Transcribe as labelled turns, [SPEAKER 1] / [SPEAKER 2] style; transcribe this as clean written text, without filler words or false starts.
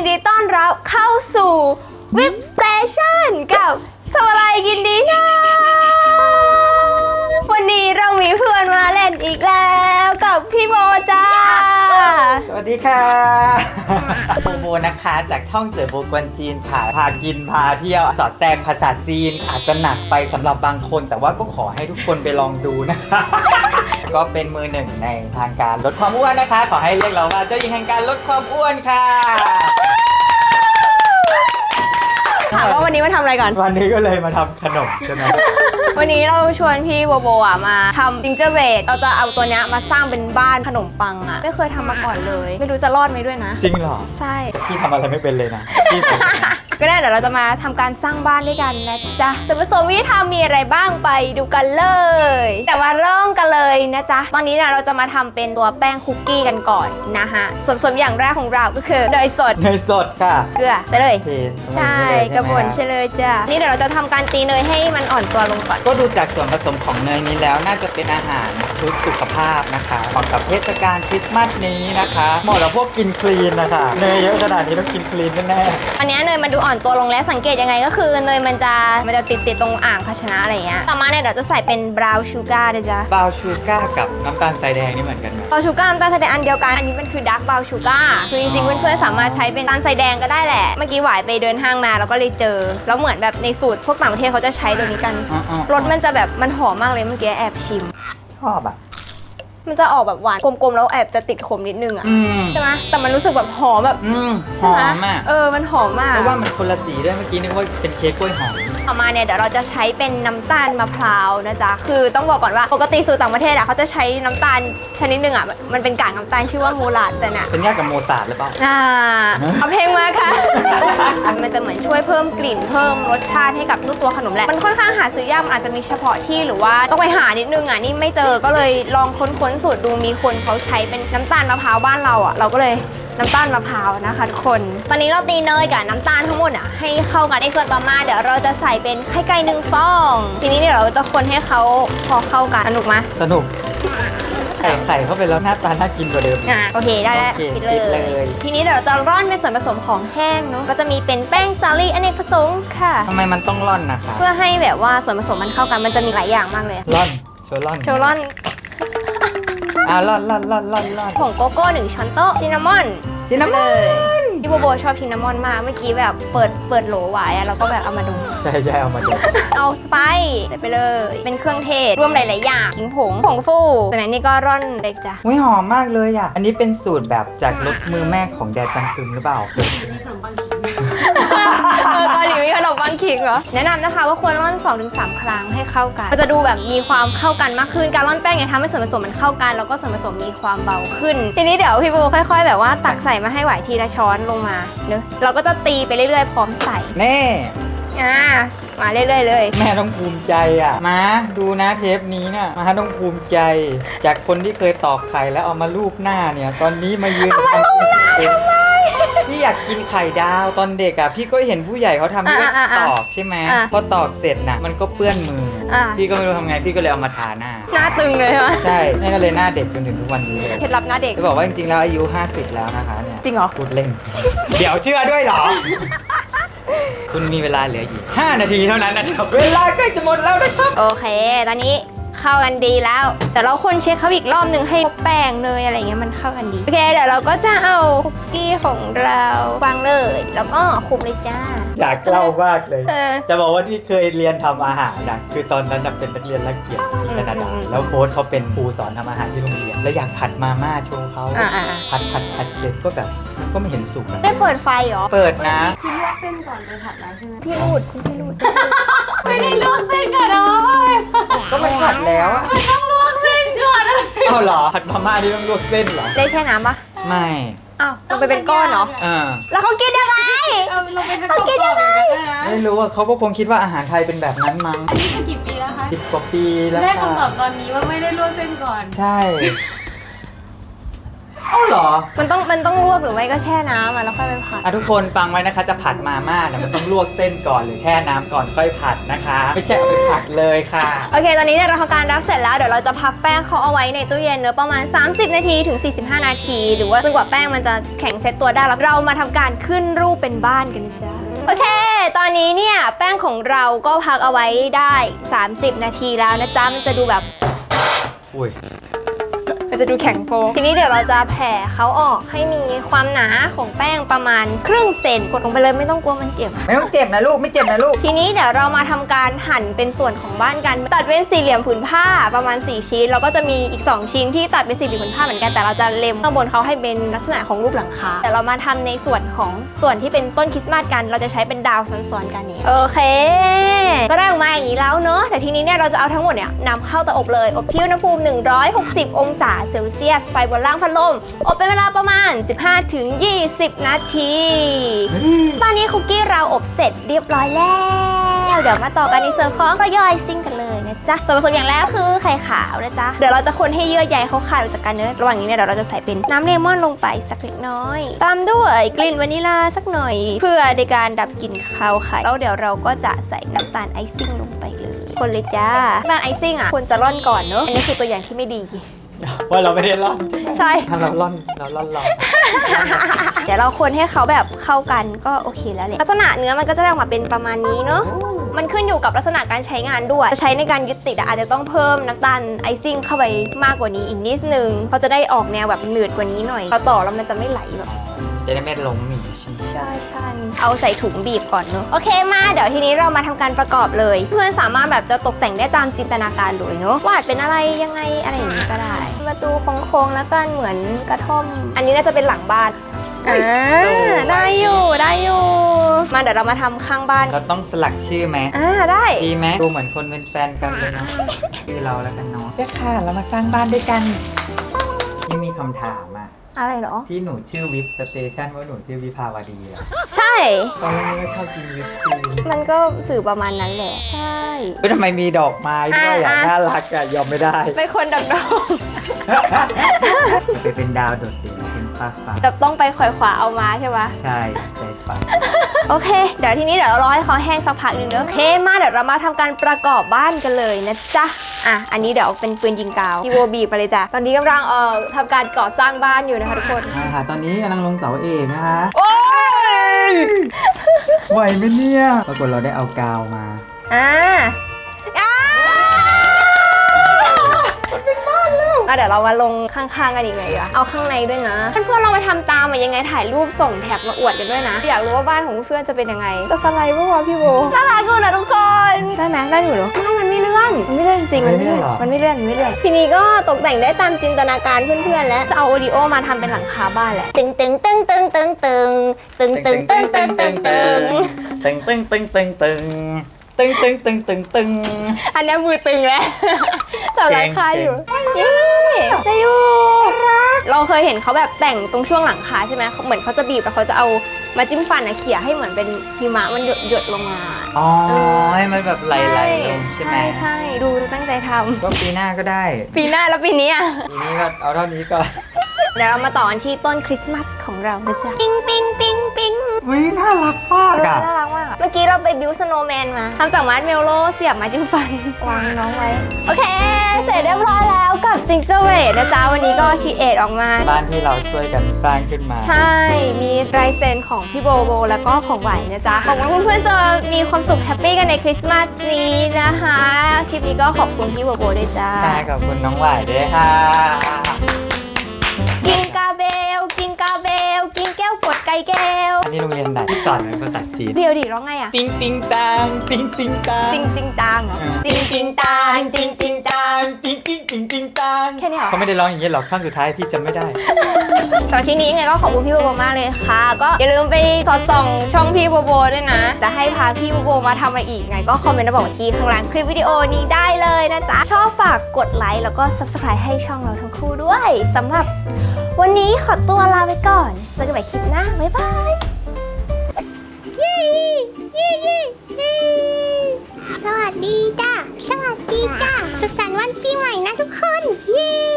[SPEAKER 1] นดีต้อนรับเข้าสู่วิปสเตชันกับทำอะไรกินดีนะวันนี้เรามีเพื่อนมาเล่นอีกแล้วกับพี่โบจ้า
[SPEAKER 2] สวัสดีค่ะโบนะคะจากช่องเจอโบกวนจีนค่ะพากินพาเที่ยวสอดแทรกภาษาจีนอาจจะหนักไปสำหรับบางคนแต่ว่าก็ขอให้ทุกคนไปลองดูนะคะก็เป็นมือหนึ่งในทางการลดความอ้วนนะคะขอให้เรียกเราว่าเจ้าหญิงแห่งการลดความอ้วนค่ะ
[SPEAKER 1] ถามว่าวันนี้มาทำอะไรก่อน
[SPEAKER 2] วันนี้ก็เลยมาทำขนมใช่ไหม
[SPEAKER 1] วันนี้เราชวนพี่โบโบมาทำจิงเจอร์เบรดเราจะเอาตัวนี้มาสร้างเป็นบ้านขนมปังอ่ะไม่เคยทำมาก่อนเลยไม่รู้จะรอดไหมด้วยนะ
[SPEAKER 2] จริงเหรอ
[SPEAKER 1] ใช่
[SPEAKER 2] พี่ทำอะไรไม่เป็นเลยนะพี่
[SPEAKER 1] ก็ได้เดี๋ยวเราจะมาทำการสร้างบ้านด้วยกันนะจ๊ะส่วนผสมวิธีทำมีอะไรบ้างไปดูกันเลยแต่ว่าเริ่มกันเลยนะจ๊ะตอนนี้เราจะมาทำเป็นตัวแป้งคุกกี้กันก่อนนะฮะส่วนผสมอย่างแรกของเราก็คือเนยสด
[SPEAKER 2] ค่ะ
[SPEAKER 1] เกลือใส่เลยใช่กระบวนใช่เลยจ้ะนี่เดี๋ยวเราจะทำการตีเนยให้มันอ่อนตัวลงก่อน
[SPEAKER 2] ก็ดูจากส่วนผสมของเนยนี้แล้วน่าจะเป็นอาหารชุดสุขภาพนะคะเหมาะกับเทศกาลคริสต์มาสนี้นะคะเหมาะกับพวกกินคลีนนะคะเนยเยอะขนาดนี้ต้องกินคลีนแน่
[SPEAKER 1] ๆอันนี้เนยมันดูอ่อนตัวลงแล้วสังเกตยังไงก็คือเนยมันจะติดตรงอ่างภาชนะอะไรเงี้ยต่อมาเนี่ยเดี๋ยวจะใส่เป็นบราวน์ชูการ์นะจ๊ะ
[SPEAKER 2] บราวน์ชูการ์กับน้ำตาลทรายแดงนี่เหมือนกันไหม
[SPEAKER 1] บราวน์ชูการ์น้ำตาลทรายแดงอันเดียวกันอันนี้มันคือดาร์กบราวน์ชูการ์คือจริงๆเพื่อนๆสามารถใช้เป็นน้ำตาลทรายแดงก็ได้แหละเมื่อกี้หวายไปเดินห้างมาแล้วก็เลยเจอแล้วเหมือนแบบในสูตรพวกต่างประเทศเขาจะใช้ตัวนี้กันรสมันจะแบบมันหอมมากเลยเมื่อกี้แอบชิม
[SPEAKER 2] ชอบอ่ะ
[SPEAKER 1] มันจะออกแบบหวานกลมๆแล้วแอบจะติดขมนิดนึงอ่ะใช่ไหมแต่มันรู้สึกแบบหอมแบบ
[SPEAKER 2] หอมมาก
[SPEAKER 1] มันหอมมาก
[SPEAKER 2] เพราะว่ามันคนละสีด้วยเมื่อกี้นึกว่าเป็นเค้กกล้วยหอม
[SPEAKER 1] ต่อมาเนี่ยเดี๋ยวเราจะใช้เป็นน้ำตาลมะพร้าวนะจ๊ะคือต้องบอกก่อนว่าปกติสูตรต่างประเทศอ่ะเขาจะใช้น้ำตาลชนิดหนึ่งอ่ะมันเป็นกากน้ำตาลชื่อว่ามูลาดแต่เนี่ย
[SPEAKER 2] เป็นยากกับโมซาร์ทหรือเปล่า
[SPEAKER 1] เอาเพลงมาค่ะ มันจะเหมือนช่วยเพิ่มกลิ่นเพิ่มรสชาติให้กับตัวขนมแหละมันค่อนข้างหาซื้อยากมันอาจจะมีเฉพาะที่หรือว่าต้องไปหานิดนึงอ่ะนี่ไม่เจอก็เลยลองค้นสูตรดูมีคนเขาใช้เป็นน้ำตาลมะพร้าวบ้านเราอ่ะเราก็เลยน้ำตาลมะพร้าวนะคะทุกคนตอนนี้เราตีเนยกับน้ำตาลทั้งหมดอ่ะให้เข้ากันในส่วนต่อมาเดี๋ยวเราจะใส่เป็นไข่ไก่1 ฟองทีนี้เดี๋ยวเราจะคนให้เขาพอเข้ากันสนุกไหม
[SPEAKER 2] สนุกไข่เข้าไปแล้วหน้าตาน่ากินกว่าเดิม
[SPEAKER 1] โอเคได้แล้วปิดเลยทีนี้เดี๋ยวเราจะร่อนเป็นส่วนผสมของแห้งเนาะก็จะมีเป็นแป้งสาลี่อเนกประสงค์ค่ะ
[SPEAKER 2] ทำไมมันต้องร่อนนะคะ
[SPEAKER 1] เพื่อให้แบบว่าส่วนผสมมันเข้ากันมันจะมีหลายอย่างมากเลย
[SPEAKER 2] ร่อนโชว์ร่อนร่อน
[SPEAKER 1] ผงโกโก้1 ช้อนโต๊ะซินนามอนพี่โบชอบซินนามอนมากเมื่อกี้แบบเปิดโหลไว้แล้วก็แบบเอามาดู
[SPEAKER 2] ใช่เอามาดู
[SPEAKER 1] เอาสไปซ์ใส่ไปเลยเป็นเครื่องเทศรวมหลายๆอย่างขิงผงฟูจากนั้นนี่ก็ร่อนเล็กจ้ะ
[SPEAKER 2] หอมมากเลยอ่ะอันนี้เป็นสูตรแบบจากรสมือแม่ของแดจังกึมหรือเปล่า
[SPEAKER 1] เกาหลีมีขนมปังขิงเหรอแนะนำนะคะว่าควรร่อน 2-3 ครั้งให้เข้ากันมันจะดูแบบมีความเข้ากันมากขึ้นการร่อนแป้งเนี่ยทำให้ส่วนผสมมันเข้ากันแล้วก็ส่วนผสมมีความเบาขึ้นทีนี้เดี๋ยวพี่โบค่อยๆแบบว่าตักใส่มาให้ไหวทีละช้อนลงมาเนอะเราก็จะตีไปเรื่อยๆพร้อมใส่
[SPEAKER 2] แน่
[SPEAKER 1] มาเรื่อยๆเลย
[SPEAKER 2] แม่ต้องภูมิใจอ่ะมาดูนะเทปนี้เนี่ยมาต้องภูมิใจจากคนที่เคยตอกไข่แล้วเอามาลูบหน้าเนี่ยตอนนี้มายืนทำพี่อยากกินไข่ดาวตอนเด็กอ่ะพี่ก็เห็นผู้ใหญ่เขาทำที่ตอกใช่ไหมพอตอกเสร็จน่ะมันก็เปื้อนมือพี่ก็ไม่รู้ทำไงพี่ก็เลยเอามาทาหน้า
[SPEAKER 1] ตึงเลยใช่ไหม
[SPEAKER 2] ใช่แม่ก็เลยหน้าเด็กจนถึงทุกวันนี้เลย
[SPEAKER 1] เคล็ดลับหน้าเด็ก
[SPEAKER 2] จะบอกว่าจริงๆแล้วอายุ50แล้วนะคะเนี่ย
[SPEAKER 1] จริงเหรอ
[SPEAKER 2] พูดเล่นเดี๋ยวเชื่อด้วยเหรอคุณมีเวลาเหลืออีก5 นาทีเท่านั้นนะครับเวลาใกล้จะหมดแล้วนะครับ
[SPEAKER 1] โอเคตอนนี้เข้ากันดีแล้วแต่เราคนเช็คเขาอีกรอบนึงให้แป้งเนยอะไรเงี้ยมันเข้ากันดีโอเคเดี๋ยวเราก็จะเอาคุกกี้ของเราวางเลยแล้วก็คลุกเลยจ้า
[SPEAKER 2] อยากเล่ามากเลยจะบอกว่าที่เคยเรียนทำอาหารนะคือตอนนั้นเป็นนักเรียนรักเกียรติที่แคนาดาแล้วโค้ชเขาเป็นครูสอนทำอาหารที่โรงเรียนแล้วอยากผัดมาม่าโชว์เขาผัดเสร็จก็แบบก็ไม่เห็นสุก
[SPEAKER 1] ได้เปิดไฟเหรอ
[SPEAKER 2] เปิดนะ
[SPEAKER 3] คือลวกเส้นก่อนไปผัดแล้วใช่ไหม
[SPEAKER 1] พี่รูดคุณพี่รูด
[SPEAKER 3] ไม่ได้ลวกเส้นก่อนนะ
[SPEAKER 2] ก็มันผัดแล้ว
[SPEAKER 3] มันต้องลวกเส้นก่อน
[SPEAKER 2] เอาเหรอผัดมาม่าที่ต้องลวกเส้นเหรอ
[SPEAKER 1] ได้แช่น้ำปะ
[SPEAKER 2] ไม่
[SPEAKER 1] อ้าวลงไปเป็นก้อนเหรอแล้วเขากินยังไง
[SPEAKER 3] เขากินยังไง
[SPEAKER 2] ไม่รู้ว่าเขาก็คงคิดว่าอาหารไทยเป็นแบบนั้นมั้ง
[SPEAKER 3] อันนี้คือกี่ปีแล้วคะ
[SPEAKER 2] 10 กว่าปีแล้ว
[SPEAKER 3] ได้คำตอบตอนนี้ว่าไม่ได้ลวกเส้นก่อน
[SPEAKER 2] ใช่เอ้าเหรอ
[SPEAKER 1] มันต้องลวกหรือไม่ก็แช่น้ำแล้วค่อยไปผัด
[SPEAKER 2] ทุกคนฟังไว้นะคะจะผัดมาม่าเนี่ยมันต้องลวกเส้นก่อนหรือแช่น้ำก่อนค่อยผัดนะคะ ไม่ใช่เอาไปผัดเลยค่ะ
[SPEAKER 1] โอเค ตอนนี้เนี่ยเราทำการรับเสร็จแล้ว เดี๋ยวเราจะพักแป้งเขาเอาไว้ในตู้เย็นเนอะประมาณ 30 นาทีถึง 45 นาที หรือว่าจนกว่าแป้งมันจะแข็งเซ็ตตัวได้แล้วเรามาทำการขึ้นรูปเป็นบ้านกันจ้าโอเค ตอนนี้เนี่ยแป้งของเราก็พักเอาไว้ได้ 30 นาทีแล้วนะจ๊ะ มันจะดูแบบ
[SPEAKER 2] อุ้ย
[SPEAKER 1] มันจะดูแข็งโฟทีนี้เดี๋ยวเราจะแผ่เขาออกให้มีความหนาของแป้งประมาณครึ่งเซนกดลงไปเลยไม่ต้องกลัวมันเจ็บ
[SPEAKER 2] ไม่ต้องเจ็บนะลูกไม่เจ็บนะลูก
[SPEAKER 1] ทีนี้เดี๋ยวเรามาทำการหั่นเป็นส่วนของบ้านกัน ตัดเป็นสี่เหลี่ยมผืนผ้าประมาณ4ชิ้นแล้วก็จะมีอีก2ชิ้นที่ตัดเป็นสี่เหลี่ยมผืนผ้าเหมือนกันแต่เราจะเล็มข้างบนเขาให้เป็นลักษณะของรูปหลังคาแต่เรามาทำในส่วนของส่วนที่เป็นต้นคริสต์มาสกันเราจะใช้เป็นดาวซ้อนๆกันนี้โอเค ก็ได้ออกมาอย่างนี้แล้วเนอะแต่ทีนี้เนี่ยเราจะเอาทั้งหมดเนี่ยนำเข้าเตาอบเลยอบที่อุณหภูมิ160 องศาเซลเซียสไฟบนล่างพัดลมอบเป็นเวลาประมาณ 15-20 นาที ตอนนี้คุกกี้เราอบเสร็จเรียบร้อยแล้ว เดี๋ยวมาต่อกันในส่วนของรอยซิ่งกันเลยนะจ๊ะส่วนผสมอย่างแรกคือไข่ขาวนะจ๊ะ เดี๋ยวเราจะคนให้เยื่อใยเขาขาดออกจากกันเนื้อระหว่างนี้เนี่ยเดี๋ยวเราจะใส่เป็นน้ำเลมอนลงไปสักเล็กน้อย ตามด้วยกลิ่นวานิลลาสักหน่อย เพื่อในการดับกลิ่นคาวไข่แล้วเดี๋ยวเราก็จะใส่น้ำตาลไอซิ่งลงไปเลย คนเลยจ้าน้ำตาลไอซิ่งอ่ะควรจะร่อนก่อนเนอะอันนี้คือตัวอย่างที่ไม่ดี
[SPEAKER 2] ว่าเราไม่ได้ร่อน
[SPEAKER 1] ใช่
[SPEAKER 2] ถ้าเราร่อน
[SPEAKER 1] เดี๋ยวเราคนให้เขาแบบเข้ากันก็โอเคแล้วแหละลักษณะเนื้อมันก็จะได้ออกมาเป็นประมาณนี้เนาะมันขึ้นอยู่กับลักษณะการใช้งานด้วยจะใช้ในการยึดติดอาจจะต้องเพิ่มน้ำตาลไอซิ่งเข้าไปมากกว่านี้อีกนิดนึงเขาจะได้ออกแนวแบบหนืดกว่านี้หน่อยพอต่อแล้วมันจะไม่ไหลแบบ
[SPEAKER 2] จะได้ไม่ล้มอีก
[SPEAKER 1] ใช่เอาใส่ถุงบีบก่อนเนอะโอเคมาเดี๋ยวทีนี้เรามาทำการประกอบเลยเพื่อนสามารถแบบจะตกแต่งได้ตามจินตนาการเลยเนอะวาดเป็นอะไรยังไงอะไรอย่างนี้ก็ได้ประตูโค้งๆแล้วกันเหมือนกระท่อมอันนี้น่าจะเป็นหลังบ้านได้อยู่มาเดี๋ยวเรามาทำข้างบ้าน
[SPEAKER 2] เราต้องสลักชื่อไหม
[SPEAKER 1] ได้
[SPEAKER 2] ดีไหมดูเหมือนคนเป็นแฟนกันเลยเนาะชื่อเราแล้วกันเนาะค่ะเรามาสร้างบ้านด้วยกันนี่มีคำถามอะ
[SPEAKER 1] อะไรเหรอ
[SPEAKER 2] ที่หนูชื่อวิปสเตชันว่าหนูชื่อวิภาวดีอะ
[SPEAKER 1] ใช่
[SPEAKER 2] ตอนแรกก็ชอบกินวิปครีม
[SPEAKER 1] มันก็สื่อประมาณนั้นแหละใช่
[SPEAKER 2] ทำไมมีดอกไม้ด้วยอะน่ารักอะยอมไม่ได้
[SPEAKER 1] เป็นคนดำ
[SPEAKER 2] ไปเป็นดาวโดดเด่นเป็นฟ้า
[SPEAKER 1] ๆแต่ต้องไปขวายขวาเอามาใช่ไหม
[SPEAKER 2] ใช่ใจฟ้า
[SPEAKER 1] โอเค เดี๋ยวทีนี้เดี๋ยวเรารอให้เขาแห้งสักพักหนึ่งเนอะโอเคมาเดี๋ยวเรามาทำการประกอบบ้านกันเลยนะจ๊ะอันนี้เดี๋ยวเป็นปืนยิงกาวพี่โบบีไปเลยจ้ะตอนนี้กำลังทำการก่อสร้างบ้านอยู่นะคะทุกคน
[SPEAKER 2] ค่ะตอนนี้กำลังลงเสาเอกนะคะ
[SPEAKER 1] โอ้ย
[SPEAKER 2] ไหวไหมเนี่ยปรากฏเราได้เอากาวมา
[SPEAKER 1] เดี๋ยวเรามาลงข้างๆกันอีกไงดีวะเอาข้างในด้วยนะเพื่อนๆเรามาทำตามยังไงถ่ายรูปส่งแท็กมาอวดกันด้วยนะอยากรู้ว่าบ้านของเพื่อนจะเป็นยังไงจะสไลด์ปะวะพี่โบน่ารักกูนะทุกคนได้ไหมได้อยู่เหรอไม่มันไม่เลื่อนจริงมันไม่เลื่อนทีนี้ก็ตกแต่งได้ตามจินตนาการเพื่อนๆแล้วจะเอาโอดิโอมาทำเป็นหลังคาบ้านแหละตึงอันนี้มือตึงแล้วจับหลังคาอยู่ได้อยู่เราเคยเห็นเขาแบบแต่งตรงช่วงหลังคาใช่ไหมเหมือนเขาจะบีบแล้วเขาจะเอามาจิ้มฟันเขี่ยให้เหมือนเป็นหิมะมันหยดลงมา
[SPEAKER 2] อ๋อให้มันแบบไหลลงใช่ไหม
[SPEAKER 1] ใช่ดูตั้งใจทำ
[SPEAKER 2] ก็ปีหน้าก็ได้
[SPEAKER 1] ปีหน้าแล้วปีนี้
[SPEAKER 2] ปีนี้ก็เอาเท่านี้ก่อน
[SPEAKER 1] เดี๋ยวเรามาต่อกันที่ต้นคริสต์มาสของเรานะจ๊ะปิ๊ง
[SPEAKER 2] วิน่ารักมากอะ
[SPEAKER 1] น่ารักมากเมื่อกี้เราไปบิวสโนว์แมนมาทำจากมาร์ชเมลโล่เสียบไม้จิ้มฟันวางน้องไว้โอเคเสร็จเรียบร้อยแล้วกับจิงเจ้าเวทนะจ๊ะวันนี้ก็คิดเอทออกมา
[SPEAKER 2] บ้านที่เราช่วยกันสร้างขึ้นมา
[SPEAKER 1] ใช่มีลายเซ็นของพี่โบแล้วก็ของหวานนะจ๊ะหวังว่าเพื่อนๆจะมีความสุขแฮปปี้กันในคริสต์มาสนี้นะคะคลิปนี้ก็ขอบคุณพี่โบด้วยจ้า
[SPEAKER 2] ขอบคุณน้องหวายด้วยค่ะ
[SPEAKER 1] กินกาเบลกินแก้วกดไก่แก้ว
[SPEAKER 2] อันนี้โรงเรียนไหนที่สอนเป็นภาษาจีน
[SPEAKER 1] เดี๋ยวดิร้องไงอะ
[SPEAKER 2] ติงติงตังติงติงตัง
[SPEAKER 1] ติงตังเหรอติงตังติงตัง
[SPEAKER 2] ติงติงติงติงตัง
[SPEAKER 1] แค่นี้เหรอ
[SPEAKER 2] เขาไม่ได้ร้องอย่างนี้หรอกข้างสุดท้ายพี่จำไม่ได้
[SPEAKER 1] สำหรับที่นี้ไงก็ขอบคุณพี่โบมากเลยค่ะ ก็อย่าลืมไปสอดส่องช่องพี่โบด้วยนะ จะให้พาพี่โบมาทำอะไรอีกไงก็คอมเมนต์มาบอกที่ข้างล่างคลิปวิดีโอนี้ได้เลยนะจ๊ะชอบฝากกดไลค์แล้วก็ subscribe ให้ช่องเราทั้งคู่ด้วยสำหรับวันนี้ขอตัวลาไปก่อนเจอกันใหม่คลิปหน้าบ๊ายบาย
[SPEAKER 4] สวัสดีจ้าสุขสันต์วันปีใหม่นะทุกคน เย้